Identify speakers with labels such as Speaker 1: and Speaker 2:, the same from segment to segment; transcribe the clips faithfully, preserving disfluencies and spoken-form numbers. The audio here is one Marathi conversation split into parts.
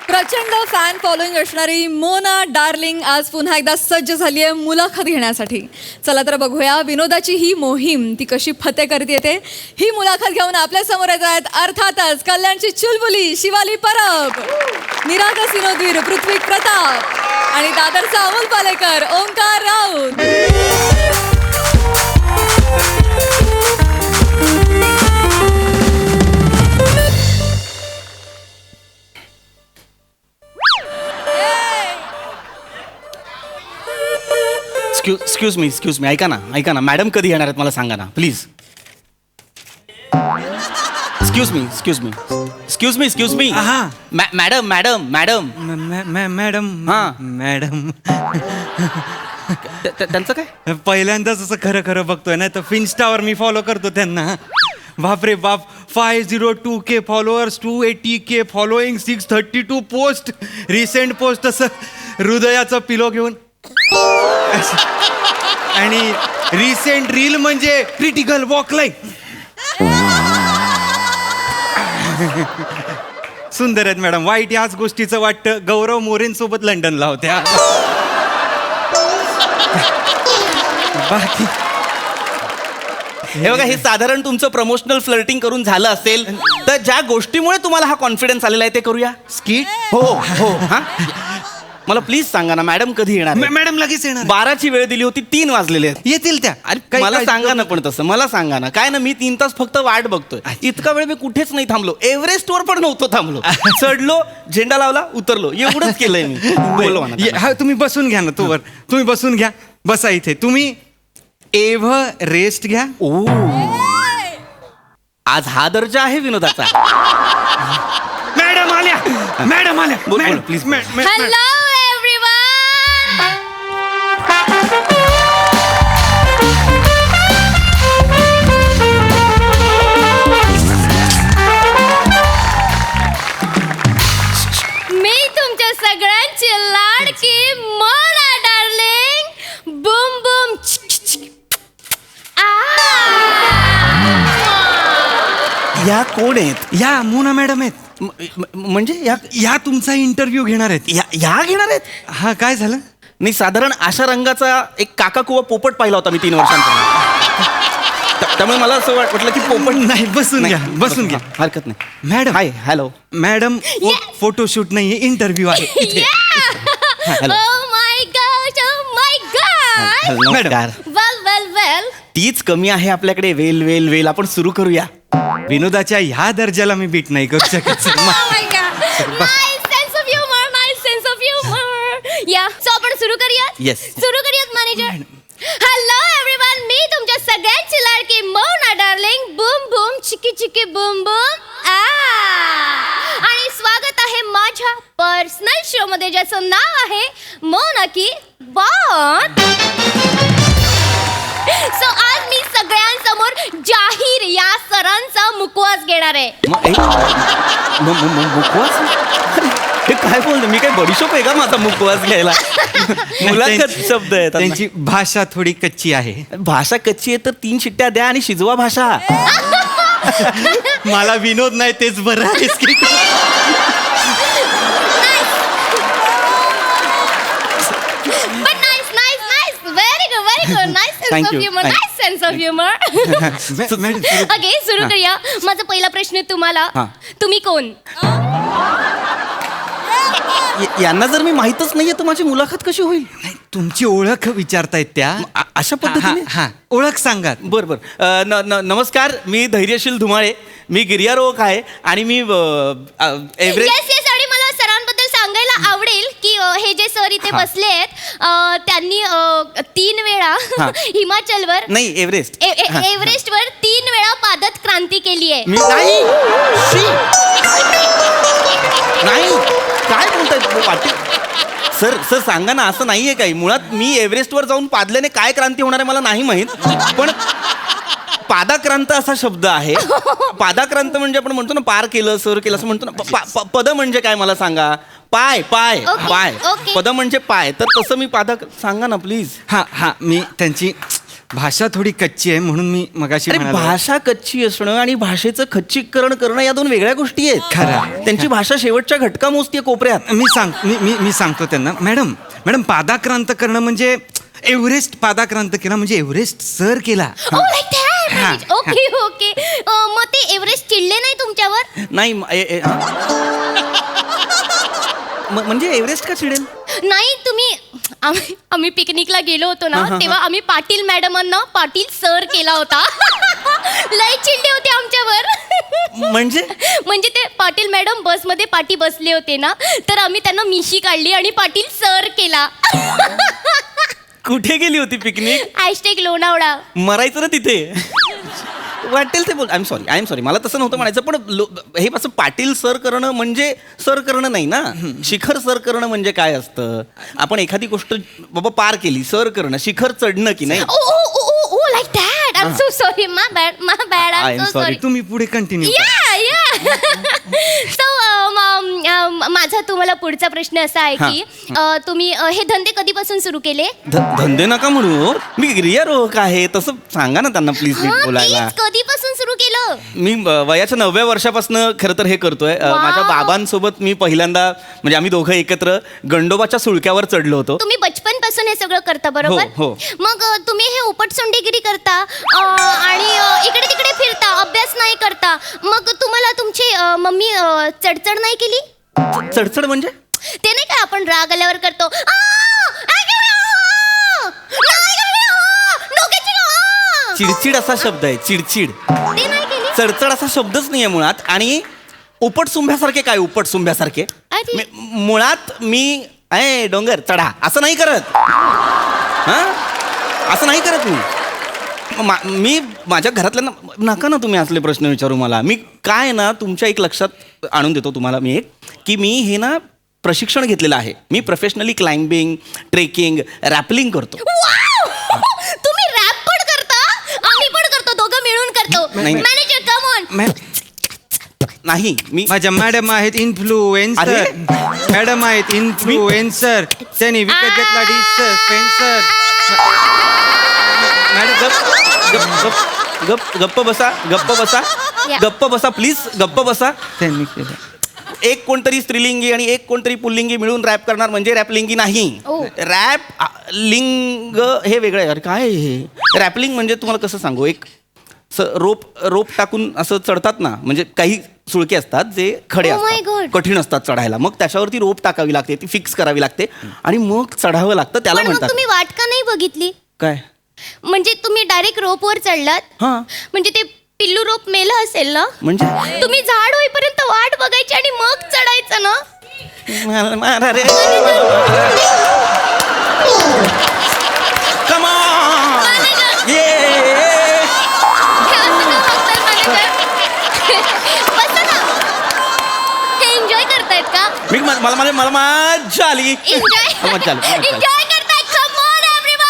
Speaker 1: प्रचंड फॅन फॉलोईंग असणारी मोना डार्लिंग आज पुन्हा एकदा सज्ज झाली आहे मुलाखत घेण्यासाठी. चला तर बघूया विनोदाची ही मोहीम ती कशी फते करते येते. ही मुलाखत घेऊन आपल्या समोर येत आहेत अर्थातच कल्याणची चुलबुली शिवाली परब, निरागस विनोदवीर पृथ्वी प्रताप आणि दादरचा Amol Palekar Omkar Raut.
Speaker 2: Excuse me excuse me ऐका ना ऐका ना मॅडम कधी येणार आहेत मला सांगा ना please. Excuse me excuse me excuse me excuse me
Speaker 3: हा.
Speaker 2: मॅडम मॅडम मॅडम
Speaker 3: मॅडम
Speaker 2: हा.
Speaker 3: मॅडम
Speaker 2: त्यांचं काय
Speaker 3: पहिल्यांदाच असं खरं खरं बघतोय ना तर फिन्स्टावर मी फॉलो करतो त्यांना. बापरे बाप, five zero two K followers, two eighty K following, six thirty two post, recent post असं हृदयाचं पिलो घेऊन आणि रिसेंट रील म्हणजे क्रिटिकल वॉक लाईन. सुंदर आहेत मॅडम. वाईट याच गोष्टीचं वाटतं गौरव मोरेंसोबत लंडनला होत्या. बाकी
Speaker 2: हे बघा, हे साधारण तुमचं प्रमोशनल फ्लर्टिंग करून झालं असेल तर ज्या गोष्टीमुळे तुम्हाला हा कॉन्फिडन्स आलेला आहे ते करूया.
Speaker 3: स्किट.
Speaker 2: हो हो हा मला प्लीज सांगा ना मॅडम कधी येणार आहेत?
Speaker 3: मॅडम लगेच येणार.
Speaker 2: बाराची वेळ दिली होती, तीन वाजलेले आहेत.
Speaker 3: येतील त्या.
Speaker 2: अरे
Speaker 3: काही
Speaker 2: मला
Speaker 3: काळजी
Speaker 2: सांगा ना
Speaker 3: करू
Speaker 2: पण तसं मला सांगा ना. काय ना मी तीन तास फक्त वाट बघतोय. इतका वेळ मी कुठेच नाही थांबलो. एव्हरेस्टवर पण नव्हतो थांबलो. चढलो, झेंडा लावला, उतरलो, एवढंच केलंय मी. बोलवा ना
Speaker 3: ये- हा, तुम्ही बसून घ्या ना तोवर. तुम्ही बसून घ्या. बसा इथे. तुम्ही एव्ह रेस्ट घ्या.
Speaker 2: ओ आज हा दर्जा आहे विनोदाचा.
Speaker 3: मॅडम आल्या. मॅडम आल्या.
Speaker 2: बोल, बोल,
Speaker 3: मॅडम,
Speaker 2: please.
Speaker 3: मॅ- मॅ- मॅ-
Speaker 4: हॅलो एव्हरीवन. मी तुमच्या सगळ्यांची लाडकी मोना डार्लिंग. Boom boom.
Speaker 2: या कोण आहेत?
Speaker 3: या मोना मॅडम आहेत.
Speaker 2: म- म- म्हणजे या
Speaker 3: या तुमचा इंटरव्ह्यू घेणार आहेत.
Speaker 2: या या घेणार आहेत?
Speaker 3: हा, काय झालं?
Speaker 2: नाही साधारण अशा रंगाचा एक काका कुवा पोपट पाहिला होता मी तीन वर्षांपूर्वी. त्या- त्यामुळे मला असं वाट- वाटलं की पोपट
Speaker 3: नाही, बसून घ्या.
Speaker 2: नाही,
Speaker 3: बसून घ्या.
Speaker 2: हरकत नाही.
Speaker 3: Madam.
Speaker 2: Hi hello.
Speaker 3: Madam photoshoot नाहीये, इंटरव्ह्यू आहे इथे.
Speaker 2: Hello.
Speaker 4: Oh my gosh, oh my god.
Speaker 2: नमस्कार.
Speaker 4: Well, well, well.
Speaker 2: तीच कमी आहे आपल्याकडे. वेल वेल वेल आपण सुरू करूया.
Speaker 3: विनोदाच्या ह्या दर्जाला मी बीट नाही करू शकत.
Speaker 4: Oh my god. Nice sense of humor, nice sense of humor. Yeah, so आपण सुरू करूयात?
Speaker 2: Yes.
Speaker 4: सुरू करूयात मॅनेजर. हॅलो एव्हरीवन, मी तुमच्या सगळ्यांची लाडकी मोना डार्लिंग. बूम बूम चिकी चिकी बूम बूम. आ आणि स्वागत आहे माझ्या पर्सनल शो मध्ये ज्याचं नाव आहे मोना की बात. सो आज मी सगळ्यांसमोर जाहीर या सरांचा मुखवास घेणार आहे.
Speaker 2: म- ए, म- म- म- मुखवास? हे काय बोलतो मी? काय बडीशोप आहे का माझा मुखवास घ्यायला? मुलाखत शब्द आहेत.
Speaker 3: त्यांची भाषा थोडी कच्ची आहे.
Speaker 2: भाषा कच्ची आहे तर तीन शिट्ट्या द्या आणि शिजवा भाषा.
Speaker 3: मला विनोद नाही तेच बरं आहे. skit.
Speaker 4: But nice, nice, nice. Very good, very good. Nice sense
Speaker 2: Thank
Speaker 4: of
Speaker 2: you.
Speaker 4: humor.
Speaker 2: Thank-
Speaker 4: Nice sense of humor.
Speaker 3: मॅ- मॅडम, सुरू-
Speaker 4: ओके, सुरू
Speaker 2: हा.
Speaker 4: करूया. माझा पहिला प्रश्न तुम्हाला.
Speaker 2: हा.
Speaker 4: तुम्ही कोण?
Speaker 2: य- यांना जर मी माहीतच नाहीये तर माझी मुलाखत कशी होईल?
Speaker 3: नाही, तुमची ओळख विचारतायत त्या.
Speaker 2: अ- अशा पद्धतीने?
Speaker 3: हा, हा. ओळख सांगा.
Speaker 2: बर बर. अ, न- न- नमस्कार, मी धैर्यशील धुमाळे. मी गिर्यारोहक आहे आणि मी अ, अ, एव्हरेस्ट.
Speaker 4: Yes yes. आणि मला सरांबद्दल सांगायला आवडेल की अ, हे जे सर इथे
Speaker 2: हा.
Speaker 4: बसले आहेत अ, त्यांनी अ, तीन वेळा
Speaker 2: हा.
Speaker 4: हिमाचलवर
Speaker 2: नाही एव्हरेस्ट.
Speaker 4: ए- ए-
Speaker 2: हा.
Speaker 4: एव्हरेस्टवर तीन वेळा पादत क्रांती केली आहे.
Speaker 2: मी नाही शी. नाही काय बोलताय वाटे? सर सर सांगा ना, असं नाहीये काही. मुळात मी एव्हरेस्टवर जाऊन पादल्याने काय क्रांती होणार आहे मला नाही माहीत. पण पादाक्रांत असा शब्द आहे. पादाक्रांत म्हणजे आपण म्हणतो ना पार केलं सर केलं असं म्हणतो ना. प- प- पद म्हणजे काय मला सांगा. पाय पाय
Speaker 4: Okay,
Speaker 2: पाय.
Speaker 4: okay.
Speaker 2: पद म्हणजे पाय. तर तसं मी पादा सांगा ना प्लीज.
Speaker 3: हा हा मी त्यांची भाषा थोडी कच्ची आहे म्हणून मी मगाशी
Speaker 2: अरे
Speaker 3: म्हणालो.
Speaker 2: भाषा कच्ची असणं आणि भाषेचं खच्चीकरण करणं या दोन वेगळ्या गोष्टी आहेत.
Speaker 3: खरं.
Speaker 2: त्यांची भाषा शेवटच्या घटका मोजतीये कोपऱ्यात.
Speaker 3: मी सांग मी मी मी सांगतो त्यांना, मॅडम मॅडम पादाक्रांत करणं म्हणजे एव्हरेस्ट पादाक्रांत केला म्हणजे एव्हरेस्ट सर केला.
Speaker 4: ओ लाईक
Speaker 3: हा,
Speaker 4: दॅट. Okay okay. मग ते एव्हरेस्ट चिडले नाही तुमच्यावर?
Speaker 2: नाही म- ए- ए- हा? म- म्हणजे एव्हरेस्ट का चिडेल?
Speaker 4: नाही तुम्ही आम्ही आम्ही पिकनिकला गेलो होतो ना
Speaker 2: हा, हा, हा.
Speaker 4: तेव्हा आम्ही पाटील मॅडमांना पाटील सर केला होता. लय चिडले होते आमच्यावर.
Speaker 2: म्हणजे
Speaker 4: म्हणजे ते पाटील मॅडम बसमध्ये पाठी बसले होते ना, तर आम्ही त्यांना मिशी काढली आणि पाटील सर केला.
Speaker 2: कुठे गेली होती पिकनिक?
Speaker 4: हॅशटॅग लोणावळा.
Speaker 2: मरायचं ना तिथे. वाटेल ते बोल. I am sorry I am sorry मला तसं नव्हतं म्हणायचं, पण लो- हे असं पाटील सर करणं म्हणजे सर करणं नाही ना. शिखर सर करणं म्हणजे काय असतं? आपण एखादी गोष्ट बाबा पार केली, सर करणं, शिखर चढणं की नाही.
Speaker 4: Oh oh oh oh like that. I am so sorry. My bad my bad.
Speaker 2: I
Speaker 4: I
Speaker 2: am
Speaker 4: am so
Speaker 2: sorry.
Speaker 4: Sorry.
Speaker 3: तुम्ही पुढे कंटिन्यू.
Speaker 4: या या. सो माझा तुम्हाला पुढचा प्रश्न असा आहे की अ, तुम्ही अ, हे धंदे कधीपासून सुरू केले?
Speaker 2: ध- धंदे नका म्हणू. मी गिर्यारोहक आहे तसं सांगा ना त्यांना प्लीज नीट
Speaker 4: हा,
Speaker 2: बोलायला.
Speaker 4: please, कधीपासून सुरू केलं?
Speaker 2: मी अ, वयाच्या नवव्या वर्षापासून खरं तर हे करतोय. अ,
Speaker 4: Wow.
Speaker 2: माझ्या बाबांसोबत मी पहिल्यांदा म्हणजे आम्ही दोघं एकत्र गंडोबाच्या सुळक्यावर चढलो होतो.
Speaker 4: तुम्ही बचपन पासून हे सगळं करता बरोबर?
Speaker 2: हो, हो.
Speaker 4: मग अ, तुम्ही हे उपटसोंडेगिरी करता अ, आणि अ, इकडे तिकडे फिरता, अभ्यास नाही करता. मग तुम्हाला तुमची अ, मम्मी अ, चडचड नाही केली?
Speaker 2: चढचढ म्हणजे?
Speaker 4: ते नाही का आपण राग आल्यावर करतो "आ, आ, गेले, आ, नाही गेले, आ, डोक्याची आ."
Speaker 2: चिडचिड असा शब्द आहे, चिडचिड.
Speaker 4: ते नाही केली?
Speaker 2: चढचढ असा शब्दच नाही आहे मुळात. आणि उपटसुंभ्यासारखे काय उपटसुंभ्यासारखे?
Speaker 4: अरे.
Speaker 2: मी- मुळात मी ए डोंगर चढा असं नाही करत. हा असं नाही करत मी. मा- मी माझ्या घरातल्यांना नका ना तुम्ही असले प्रश्न विचारू मला. मी काय ना तुमच्या एक लक्षात आणून देतो तुम्हाला मी एक, की मी हे ना प्रशिक्षण घेतलेलं आहे. मी प्रोफेशनली क्लाइम्बिंग, ट्रेकिंग, रॅपलिंग करतो.
Speaker 4: वाव! तुम्ही रॅप पण करता? आम्ही पण करतो, दोघं मिळून करतो.
Speaker 2: नाही.
Speaker 4: Manager come on.
Speaker 2: नाही मी
Speaker 3: माझ्या मॅडम आहेत इन्फ्लुएन्सर.
Speaker 2: अरे.
Speaker 3: मॅडम आहेत इन्फ्लुएन्सर. त्यांनी विकत घेतला डिस्टर स्पेन्सर.
Speaker 2: मॅडम गप गप गप गप गप्प बसा गप्प बसा
Speaker 4: या.
Speaker 2: गप्प बसा प्लीज गप्प बसा.
Speaker 3: त्यांनी केलं.
Speaker 2: एक कोणतरी स्त्रीलिंगी आणि एक कोणतरी पुल्लिंगी मिळून रॅप करणार म्हणजे रॅपलिंगी नाही.
Speaker 4: ओ.
Speaker 2: रॅप आ, लिंग हे वेगळं आहे. अरे काय आहे हे? रॅपलिंग म्हणजे तुम्हाला कसं सांगू, एक स रोप रोप टाकून असं चढतात ना, म्हणजे काही सुळके असतात जे खडे
Speaker 4: Oh my
Speaker 2: असतात,
Speaker 4: God.
Speaker 2: कठीण असतात चढायला. मग त्याच्यावरती रोप टाकावी लागते, ती फिक्स करावी लागते आणि मग चढावं लागतं. त्याला
Speaker 4: पण मग
Speaker 2: म्हणतात
Speaker 4: तुम्ही वाट का नाही बघितली?
Speaker 2: काय?
Speaker 4: म्हणजे तुम्ही डायरेक्ट रोपवर चढलात?
Speaker 2: हा
Speaker 4: म्हणजे ते पिल्लू रोप मेलं असेल ना?
Speaker 2: म्हणजे
Speaker 4: तुम्ही झाड होईपर्यंत वाट बघायची आणि मग चढायचं ना?
Speaker 2: मारा मारा रे. Come on! Yeah!
Speaker 4: हे असं का बघताय manager? बसा ना. हे एन्जॉय करतायत का?
Speaker 2: मी मला मला मला मला मजा आली.
Speaker 4: एन्जॉय
Speaker 2: मजा आली, मजा आली.
Speaker 4: एन्जॉय करतायत. Come on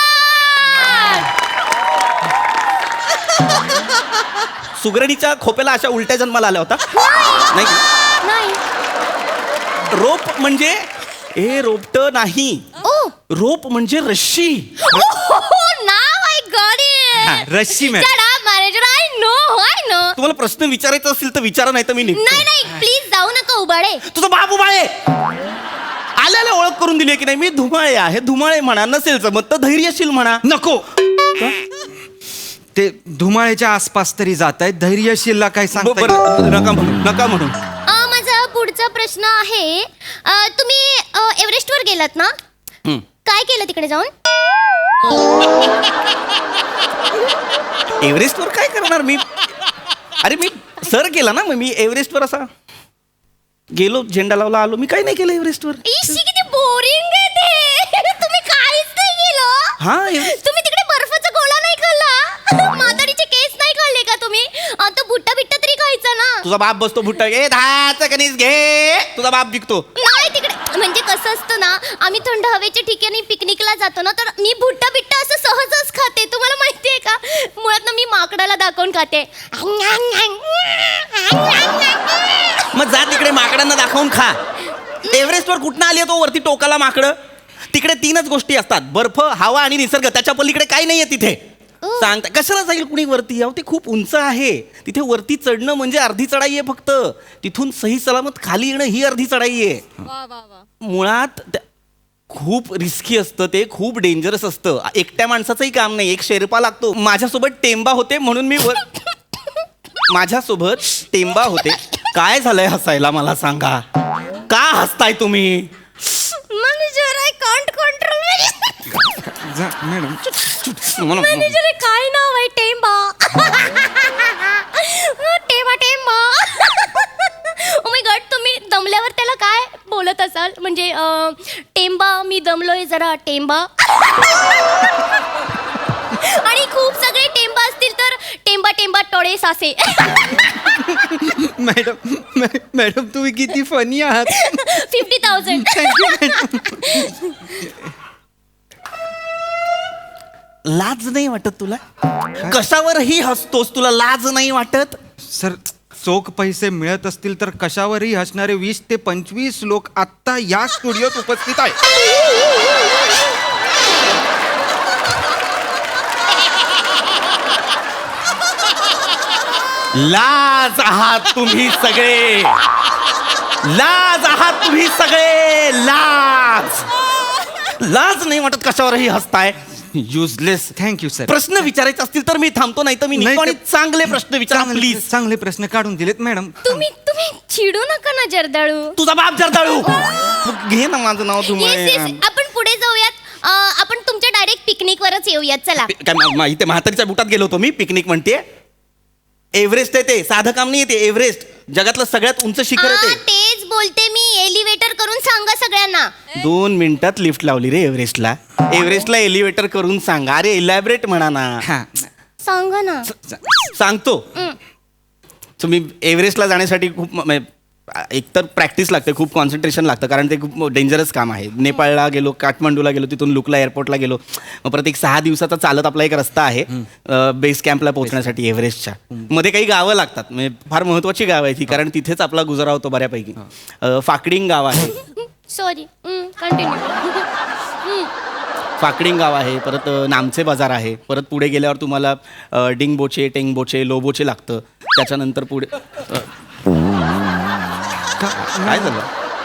Speaker 4: everyone.
Speaker 2: सुगरणीच्या खोप्याला अशा उलट्या जन्माला आल्या होता नाही का?
Speaker 4: नाही.
Speaker 2: रोप म्हणजे हे रोपट नाही.
Speaker 4: ओ
Speaker 2: रोप म्हणजे रश्शी.
Speaker 4: नाव आय गॉट
Speaker 3: हा,
Speaker 4: इट.
Speaker 3: रश्शी ma'am.
Speaker 4: Shut up manager. I know I know.
Speaker 2: तुम्हाला प्रश्न विचारायचा असेल तर विचारा, नाही तर मी निघतो.
Speaker 4: नाही नाही प्लीज जाऊ नका उबाळे.
Speaker 2: तुझा बाप उभाळे आल्याला ओळख करून दिली की नाही. मी धुमाळे आहे. धुमाळे म्हणा, नसेल जमत तर धैर्यशील म्हणा.
Speaker 3: नको. ते धुमाळ्याच्या आसपास तरी जात आहेत. धैर्यशीलला काय
Speaker 2: ब-
Speaker 3: सांगता
Speaker 2: बरं, नका म्हणू नका म्हणू.
Speaker 4: अ, माझा पुढचा प्रश्न आहे अ, तुम्ही अ, एव्हरेस्टवर गेलात ना?
Speaker 2: हं.
Speaker 4: काय केलं तिकडे जाऊन?
Speaker 2: एव्हरेस्टवर काय करणार मी? अरे मी सर केला ना, मग मी एव्हरेस्टवर असा गेलो, झेंडा लावला, आलो. मी काही नाही केलं एव्हरेस्टवर.
Speaker 4: इशी किती बोरिंग आहे ते. तुम्ही काहीच नाही केलं.
Speaker 2: हा एव्हरेस्ट
Speaker 4: तुम्ही तिकडे बर्फाचा गोळा नाही खाल्ला. म्हातारीचे केस नाही खाल्ले का तुम्ही? अ, तो भुट्टा बिट्टा तरी खायचा ना.
Speaker 2: तुझा बाप बसतो भुट्टा घे, दहाचा कणीस घे. तुझा बाप विकतो.
Speaker 4: नाही तिकडे म्हणजे कसं असतं ना, आम्ही थंड हवेच्या ठिकाणी पिकनिकला जातो ना, तर मी भुट्टा बिट्टा असं सहजच खाते. तुम्हाला माहितीये का? मुळात ना मी माकडाला दाखवून खाते.
Speaker 2: मग जा तिकडे माकडांना दाखवून खा. एव्हरेस्टवर कुठनं आली आहे तो वरती टोकाला माकडं? तिकडे तीनच गोष्टी असतात, बर्फ, हवा आणि निसर्ग. त्याच्या पलीकडे काही नाहीये तिथे. सांगता कशाला जाईल कुणी वरती? अहो ते खूप उंच आहे, तिथे वरती चढणं म्हणजे अर्धी चढाई आहे फक्त. तिथून सही सलामत खाली येणं ही अर्धी चढाई आहे.
Speaker 1: वा वा वा.
Speaker 2: मुळात त्या- खूप रिस्की असतं ते, खूप डेंजरस असतं. एकट्या माणसाचंही काम नाही, एक शेर्पा लागतो. माझ्यासोबत टेंबा होते म्हणून मी वर माझ्यासोबत टेंबा होते. काय झालंय हसायला मला सांगा, का हसताय तुम्ही?
Speaker 4: मॅनेजर आय कांट कंट्रोल
Speaker 3: जा मॅडम.
Speaker 2: म्हणून-
Speaker 4: मॅनेजर काय नाव आहे? टेंबा. टेंबा टेंबा. ओ माय गॉड, तुम्ही दमल्यावर त्याला काय बोलत असाल? म्हणजे अं, टेंबा मी दमलोय जरा टेंबा. आणि खूप सगळे टेंबा असतील तर टेंबा टेंबा टोळे सासे.
Speaker 3: मॅडम मॅ- मॅडम तुम्ही किती फनी आहात.
Speaker 4: Fifty thousand.
Speaker 2: लाज नाही वाटत तुला? कशावरही हसतोस, तुला लाज नाही वाटत?
Speaker 3: सर चोख पैसे मिळत असतील तर कशावरही हसणारे वीस ते पंचवीस लोक आत्ता या स्टुडिओत उपस्थित आहेत.
Speaker 2: लाज आहात तुम्ही सगळे, लाज आहात तुम्ही सगळे, लाज लाज नाही वाटत? कशावरही हसताय, युजलेस.
Speaker 3: Thank you sir.
Speaker 2: प्रश्न विचारायचे असतील तर मी थांबतो, नाही तर मी
Speaker 3: नाही
Speaker 2: निघतो. आणि
Speaker 3: ते-
Speaker 2: चांगले प्रश्न विचारा
Speaker 3: चांगले-
Speaker 2: प्लीज.
Speaker 3: चांगले प्रश्न काढून दिलेत मॅडम.
Speaker 4: तुम्ही तुम्ही चिडू नका ना जर्दाळू.
Speaker 2: तुझा बाप जर्दाळू. घे ना माझं नाव
Speaker 4: येस
Speaker 2: तुम्ही.
Speaker 4: येस, आपण पुढे जाऊयात. अं, आपण तुमच्या डायरेक्ट पिकनिक वरच येऊयात. चला.
Speaker 2: काय मा- मा- इथे म्हातारीच्या बुटात गेलो होतो मी. पिकनिक म्हणते, एव्हरेस्ट आहे ते, साधं काम नाही. ते एव्हरेस्ट जगातलं सगळ्यात उंच शिखर
Speaker 4: आ,
Speaker 2: आहे ते.
Speaker 4: तेच बोलते मी. एलिव्हेटर करून सांगा सगळ्यांना.
Speaker 2: दोन मिनिटात लिफ्ट लावली रे एव्हरेस्टला. एव्हरेस्टला एलिव्हेटर करून सांगा. अरे इलॅबरेट म्हणा ना.
Speaker 3: हा
Speaker 4: सांगा ना.
Speaker 2: सांगतो. तुम्ही एव्हरेस्टला जाण्यासाठी खूप म- म- एकतर प्रॅक्टिस लागते, खूप कॉन्सन्ट्रेशन लागतं, कारण ते खूप डेंजरस काम आहे. नेपाळला गेलो, काठमांडूला गेलो, तिथून लुकला एअरपोर्टला गेलो. मग परत एक सहा दिवसाचा चालत आपला एक रस्ता आहे बेस कॅम्पला पोहोचण्यासाठी एव्हरेस्टच्या. मध्ये काही गावं लागतात, म्हणजे फार महत्त्वाची गावं आहे ती, कारण तिथेच आपला गुजारा होतो बऱ्यापैकी. अ, फाकडिंग गाव आहे,
Speaker 4: सॉरी. कंटिन्यू.
Speaker 2: फाकडिंग गाव आहे. परत अ, नामचे बाजार आहे. परत पुढे गेल्यावर तुम्हाला अ, डिंगबोचे, टेंगबोचे, लोबोचे लागतं. त्याच्यानंतर पुढे अ, काय झालं?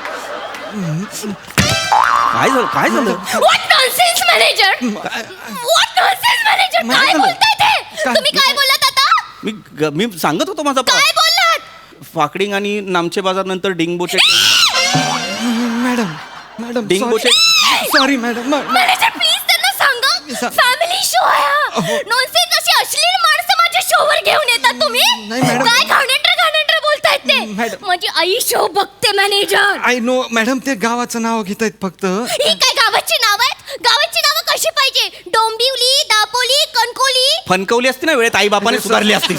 Speaker 2: काय झालं? काय झालं?
Speaker 4: What nonsense manager. What nonsense manager. काय
Speaker 3: मॅडम.
Speaker 4: बोलताय ते?
Speaker 3: काय-
Speaker 4: तुम्ही काय बोलत आता?
Speaker 2: मी ग- मी सांगत होतो माझा प्र-
Speaker 4: काय बोललात?
Speaker 2: फाकडिंग आणि नामचे बाजार नंतर Dingboche.
Speaker 3: Madam madam
Speaker 2: Dingboche.
Speaker 3: Sorry madam.
Speaker 4: Manager please त्यांना सांगा.
Speaker 3: सा-
Speaker 4: फॅमिली शो आहे हा. नॉनसेन्स अशी अश्लील माणसं माझ्या शोवर घेऊन येतात तुम्ही.
Speaker 3: नाही, मॅडम.
Speaker 4: काय घाणेरडं घाणेरडं बोलतायत ते.
Speaker 3: मॅडम.
Speaker 4: माझी आई शो बघते मॅनेजर.
Speaker 3: आय नो मॅडम, ते गावाचं नाव घेत आहेत फक्त.
Speaker 4: ही काय गावाची नाव आहेत? गावाची नावं कशी पाहिजे? डोंबिवली, दापोली, कणकोली.
Speaker 2: फनकवली असती ना वेळेत, आई बापाने सुधारली असती.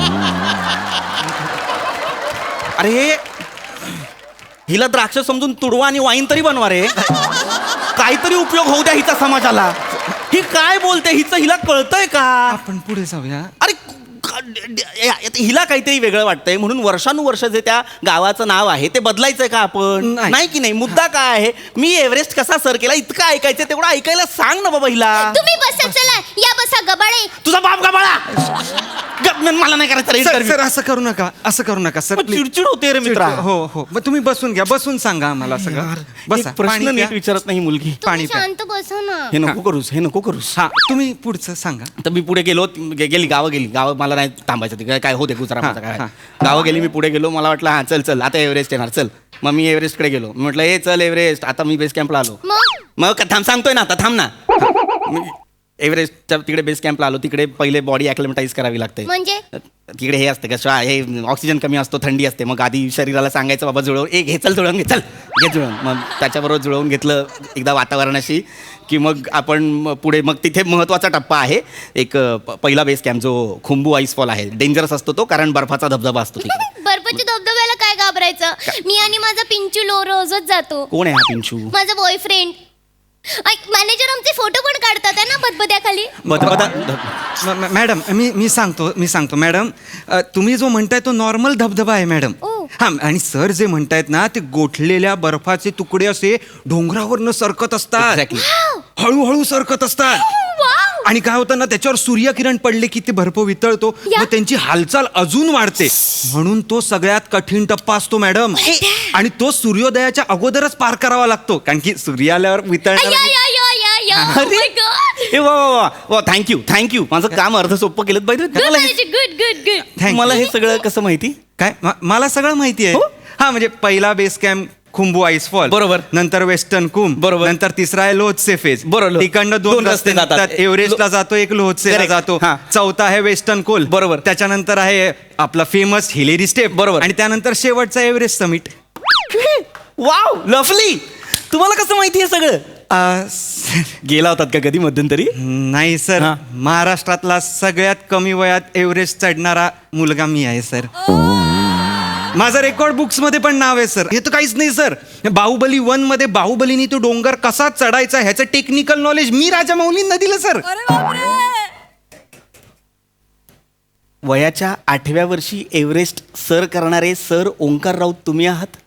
Speaker 2: अरे हिला द्राक्ष समजून तुडवा आणि वाईन तरी बनवा रे. काहीतरी उपयोग होऊ द्या हिचा समाजाला. ही काय बोलते? हिचं हिला कळतंय का?
Speaker 3: आपण पुढे जाऊया.
Speaker 2: अरे क- ड- हिला काहीतरी वेगळं वाटतंय म्हणून वर्षानुवर्ष जे त्या गावाचं नाव आहे ते बदलायचंय का आपण?
Speaker 3: नाही.
Speaker 2: नाही की नाही? मुद्दा काय आहे? मी एव्हरेस्ट कसा सर केला इतकं ऐकायचं, तेवढं ऐकायला सांग ना बाबा हिला.
Speaker 4: तुम्ही बसा. चला या बसा गबाळे.
Speaker 2: तुझा बाप गबाळा. ग- मला नाही करायचं रे
Speaker 3: सर
Speaker 2: interview.
Speaker 3: सर, असं करू नका, असं करू नका सर.
Speaker 2: मग
Speaker 3: please.
Speaker 2: चिडचिड होते रे मित्रा.
Speaker 3: हो हो, मग तुम्ही बसून घ्या. बसून सांगा आम्हाला सगळं. बसा.
Speaker 2: एक प्रश्न
Speaker 3: पाणी
Speaker 2: नीट
Speaker 3: प्या.
Speaker 2: विचारत नाही मुलगी.
Speaker 3: पाणी
Speaker 4: तुम्ही
Speaker 3: प्या.
Speaker 4: शांत बसा ना.
Speaker 2: हे नको करूस, हे नको करूस.
Speaker 3: हा तुम्ही पुढचं सांगा.
Speaker 2: तर मी पुढे गेलो, गे- गेली गावं गेली गावं मला नाही थांबायचं तिकडे, काय होते गुजरा
Speaker 3: हा,
Speaker 2: माझा काय.
Speaker 3: हा.
Speaker 2: गावं गेली, मी पुढे गेलो. मला वाटलं हां चल चल आता एव्हरेस्ट येणार, चल. मग मी एव्हरेस्टकडे गेलो. मी म्हटलं ए चल एव्हरेस्ट. आता मी बेस कॅम्पला आलो.
Speaker 4: मग
Speaker 2: मग का- थांब सांगतोय ना आता, थांब ना. मी एव्हरेस्टच्या तिकडे बेस कॅम्पला आलो. तिकडे पहिले बॉडी ॲक्लिमटाईज करावी लागते.
Speaker 4: म्हणजे
Speaker 2: तिकडे हे असते का श्वा- हे ऑक्सिजन कमी असतो, थंडी असते. मग आधी शरीराला सांगायचं बाबा जुळवून एक घे, चल जुळवून घे, चल घे जुळवून. मग त्याच्याबरोबर जुळवून घेतलं एकदा वातावरणाशी की मग आपण म- पुढे मग तिथे महत्त्वाचा टप्पा आहे एक अ, प- पहिला बेस कॅम्प जो खुंबू आईसफॉल आहे. डेंजरस असतो तो, कारण बर्फाचा धबधबा असतो तिकडे.
Speaker 4: बर्फाच्या धबधब्याला काय घाबरायचं? मी आणि माझा पिंचू लो रोजच जातो.
Speaker 2: कोण आहे हा पिंचू?
Speaker 4: माझा बॉयफ्रेंड. मॅनेजर आमचे फोटो पण काढतात आहे ना बदबद्याखाली.
Speaker 2: बदबदा
Speaker 3: म- म- मॅडम मी मी सांगतो मी सांगतो मॅडम, अ, तुम्ही जो म्हणताय तो नॉर्मल धबधबा आहे मॅडम.
Speaker 4: ओ.
Speaker 3: हा, आणि सर जे म्हणतायत ना ते गोठलेल्या बर्फाचे तुकडे असे डोंगरावरनं सरकत असतात.
Speaker 2: Exactly.
Speaker 3: हळूहळू सरकत असतात.
Speaker 4: वाव.
Speaker 3: आणि काय होतं ना त्याच्यावर सूर्यकिरण पडले की ते बर्फ वितळतो
Speaker 4: या.
Speaker 3: मग त्यांची हालचाल अजून वाढते म्हणून तो सगळ्यात कठीण टप्पा असतो मॅडम आणि तो सूर्योदयाच्या अगोदरच पार करावा लागतो कारण की सूर्य आल्यावर
Speaker 4: या
Speaker 3: वितळणार
Speaker 4: या या या या Oh
Speaker 2: अरे.
Speaker 4: my God.
Speaker 2: ए वा वा वा वा थँक्यू थँक्यू माझं काम अर्ध सोपं केलं बाई
Speaker 4: Good
Speaker 2: मला हे-
Speaker 4: manager, good, good, good.
Speaker 3: Thank you.
Speaker 2: मला हे सगळं कसं माहिती
Speaker 3: काय म- मला सगळं माहिती आहे
Speaker 2: हो?
Speaker 3: हा म्हणजे पहिला base camp Khumbu ice fall
Speaker 2: बरोबर.
Speaker 3: नंतर वेस्टर्न कुंभ
Speaker 2: बरोबर.
Speaker 3: नंतर तिसरा आहे लोहचे फेज
Speaker 2: बरोबर.
Speaker 3: तिकडनं दोन
Speaker 2: दोन रस्ते
Speaker 3: रस्ते
Speaker 2: जातात.
Speaker 3: जातात एव्हरेस्टला जातो एक लोहचे
Speaker 2: Correct.
Speaker 3: जातो
Speaker 2: हा.
Speaker 3: चौथा आहे वेस्टर्न कोल
Speaker 2: बरोबर.
Speaker 3: त्याच्यानंतर आहे आपला फेमस हिलेरी स्टेप
Speaker 2: बरोबर.
Speaker 3: आणि त्यानंतर शेवटचा एव्हरेस्ट समिट
Speaker 2: वाव लवली तुम्हाला कसं माहिती आहे सगळं गेला होतात का कधी मध्यंतरी
Speaker 3: नाही सर
Speaker 2: हा.
Speaker 3: महाराष्ट्रातला सगळ्यात कमी वयात एव्हरेस्ट चढणारा मुलगा मी आहे सर माझं रेकॉर्ड बुक्स मध्ये पण नाव आहे सर हे तर काहीच नाही सर बाहुबली वन मध्ये बाहुबलीनी तो डोंगर कसा चढायचा ह्याचं टेक्निकल नॉलेज मी राजा मौलींना दिलं सर
Speaker 1: अरे बापरे
Speaker 2: वयाच्या आठव्या वर्षी एव्हरेस्ट सर करणारे सर ओंकार राऊत तुम्ही आहात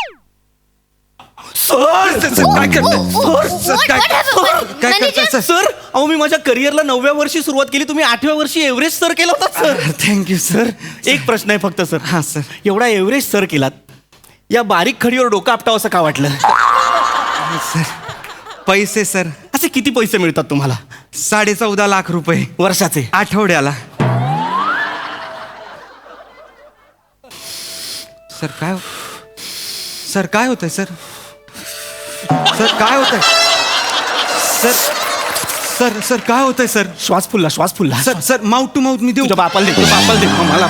Speaker 2: सर
Speaker 3: सर, काय करताय?
Speaker 4: Oh,
Speaker 3: सर,
Speaker 4: what-
Speaker 3: काय-
Speaker 4: what happened?
Speaker 3: काय
Speaker 4: Manager?
Speaker 3: करताय सर
Speaker 2: सर अहो मी माझ्या करिअरला नवव्या वर्षी सुरुवात केली तुम्ही आठव्या वर्षी एव्हरेस्ट सर केला होता सर
Speaker 3: थँक्यू सर
Speaker 2: एक प्रश्न आहे फक्त सर
Speaker 3: हा सर
Speaker 2: एवढा एव्हरेस्ट सर केलात या बारीक खडीवर डोकं आपटावं असं का वाटलं
Speaker 3: सर पैसे सर
Speaker 2: असे किती पैसे मिळतात तुम्हाला
Speaker 3: साडे चौदा लाख रुपये
Speaker 2: वर्षाचे
Speaker 3: आठवड्याला सर काय सर काय होतंय सर सर काय होतंय सर सर सर काय होतंय सर
Speaker 2: श्वास फुलला श्वास फुलला
Speaker 3: sir sir mouth to mouth मी देऊ
Speaker 2: तुझ्या बापाला दे तुझ्या बापाला दे मला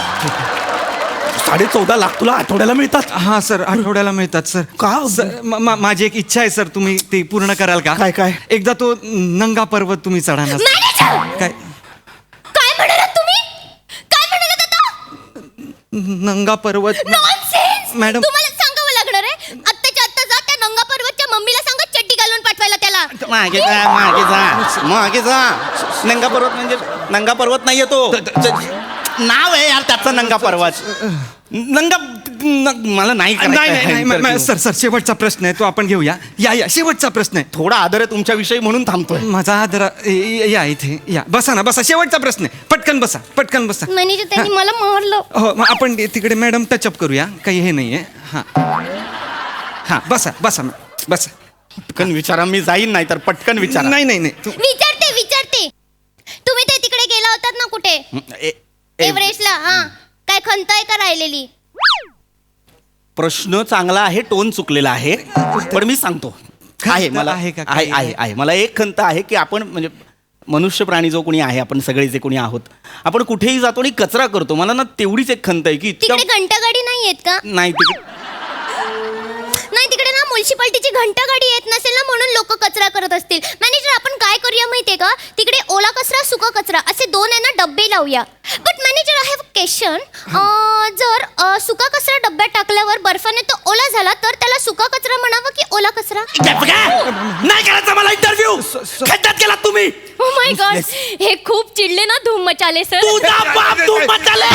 Speaker 2: साडे चौदा लाख तुला आठवड्याला मिळतात
Speaker 3: हा सर आठवड्याला मिळतात सर
Speaker 2: का?
Speaker 3: सर म- म- माझी एक इच्छा आहे सर तुम्ही ते पूर्ण कराल का
Speaker 2: काय, काय?
Speaker 3: एकदा तो नंगा पर्वत तुम्ही चढाना
Speaker 4: Manager!
Speaker 3: काय
Speaker 4: काय म्हणालात तुम्ही काय म्हणालात आता
Speaker 3: नंगा पर्वत
Speaker 4: नॉनसेन्स
Speaker 3: मॅडम.
Speaker 4: तुम्हाला सांगावं लागणार आहे आत्ताच्या आत्ता जा त्या नंगा पर्वतच्या मम्मीला सांगा चड्डी घालून पाठवायला त्याला
Speaker 2: मागे जा मागे जा मागे जा नंगा पर्वत म्हणजे नंगा पर्वत नाहीये तो नाव आहे यार त्याचं नंगा पर्वत नंगा न- मला नाही
Speaker 3: नाही नाही, नाही
Speaker 2: करायचं
Speaker 3: म- म-
Speaker 2: आहे.
Speaker 3: सर सर शेवटचा प्रश्न आहे तो आपण घेऊया या या शेवटचा प्रश्न आहे
Speaker 2: थोडा आदर आहे तुमच्याविषयी म्हणून थांबतोय
Speaker 3: माझा आदर या इथे या बसा ना बसा शेवटचा प्रश्न आहे पटकन बसा पटकन बसा
Speaker 4: मॅनेजर त्यांनी मला मारलं
Speaker 3: हो मग आपण ते- तिकडे मॅडम टचअप करूया काही हे नाहीये हा हा बसा बसा मॅ- बसा
Speaker 2: पटकन विचारा मी जाईन नाही तर पटकन विचारा
Speaker 3: नाही नाही नाही तू-
Speaker 4: विचारते विचारते तुम्ही ते तिकडे गेला होतात ना कुठे
Speaker 2: ए- ए-
Speaker 4: एव्हरेस्टला हा काय खंत आहे का राहिलेली
Speaker 2: प्रश्न चांगला आहे टोन चुकलेला आहे पण मी सांगतो आहे
Speaker 3: खंत
Speaker 2: मला
Speaker 3: आहे का
Speaker 2: आहे
Speaker 3: काही?
Speaker 2: आहे आहे मला एक खंत आहे की आपण म्हणजे मनुष्य प्राणी जो कोणी आहे आपण सगळे जे कोणी आहोत आपण कुठेही जातो आणि कचरा करतो मला ना तेवढीच एक खंत आहे की इतक्या
Speaker 4: तिकडे घंटागाडी नाही येत का
Speaker 2: नाही तिकडे
Speaker 4: नाही तिकडे ना म्युन्सिपाल्टीची घंटा गाडी येत नसेल ना म्हणून लोक कचरा करत असतील मॅनेजर आपण काय करूया माहितीये का तिकडे ओला कचरा सुका कचरा असे दोन आहे ना डब्बे लावूया but manager I have question जर अ, सुका कचरा डब्यात टाकल्यावर बर्फाने तो ओला झाला तर त्याला सुका कचरा म्हणावं की ओला कचरा
Speaker 2: नाही करायचा मला इंटरव्ह्यू खड्ड्यात गेलात तुम्ही
Speaker 4: ओ माय गॉड हे खूप चिडले ना धूम मचाले सर
Speaker 2: तुझा बाप तू मचाले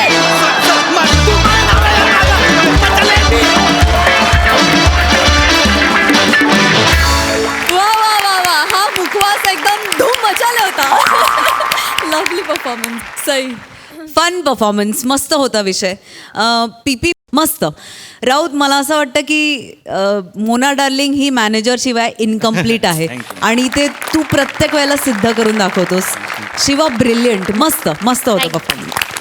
Speaker 1: वा वा वा वा हा मुखवास एकदम धूम मचाले होता lovely performance Sai
Speaker 5: fun performance मस्त होता विषय पी पी मस्त राऊत मला असं वाटतं की अ, मोना डार्लिंग ही मॅनेजर शिवाय इनकम्प्लीट आहे आणि ते तू प्रत्येक वेळेला सिद्ध करून दाखवतोस शिवा ब्रिलियंट मस्त मस्त होतं
Speaker 4: Thank you.
Speaker 5: परफॉर्मन्स